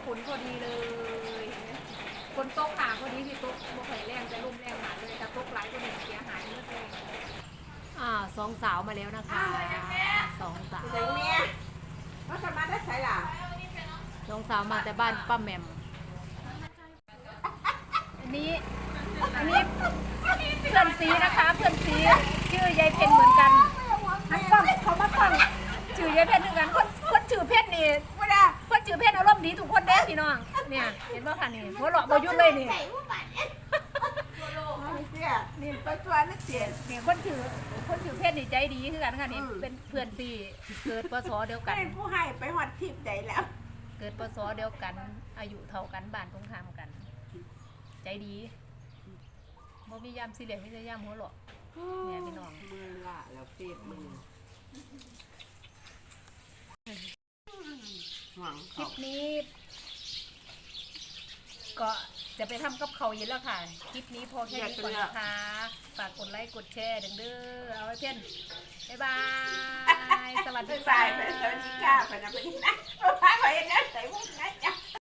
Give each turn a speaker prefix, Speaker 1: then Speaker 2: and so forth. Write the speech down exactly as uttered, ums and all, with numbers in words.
Speaker 1: ฝนพอดีเลยฝนตกหาพอดีที่ตกบ่ค่อยแรงแต่ลมแรงหาเลยแต่ตกหลายก็มีเสียหายเยอะเลยอ่าสองสาวมาแล้วนะคะสองสาว
Speaker 2: เสียงเมียเขาจะมาได้ใช่หรอ
Speaker 1: สองสาวมาแต่บ้านป้าแหม่มอันนี้อันนี้เพื่อนซีนะคะเพื่อนซีชื่อยายเพนเหมือนกันนักฟังเขามาฟังชื่อยายเพนเหมือนกันคนคนชื่อเพนนี่ไม่ได้คนชื่อเพนอารมณ์ดีทุกคนเด้พี่น้องเนี่ยเห็นป่ะคะนี่หัวเราะบ่หยุดเลยนี่
Speaker 2: นี่ไปตัวนักเสียน
Speaker 1: นี่คนชื่อคนชื่อเพนนี่ใจดีคือกันค่ะนี่เป็นเพื่อนซีเกิดพศเดียวกัน
Speaker 2: เป็นผู้ให้ไปหอดทิพย์ใจแล้ว
Speaker 1: เกิดพศเดียวกันอายุเท่ากันบ้านตรงข้ามกันใจดีบ่มียามสิเหลี่ยมมีแต่ยามหัวเราะเนี่ยพี่น้อง
Speaker 2: มือละแล้วเปียกมือหวัง
Speaker 1: คลิปนี้ ก็จะไปทำกับเขาเย็นแล้วค่ะคลิปนี้พอแค่นี้ก่อนนะคะฝากกดไลค์กดแชร์ดังเด้อเอาไว้เพื่อนบ๊ายบายสวัสดีค่ะ
Speaker 2: สวัสดีค่ะพนักงานนะพนักงานใส่พวกนั้นจ้ะ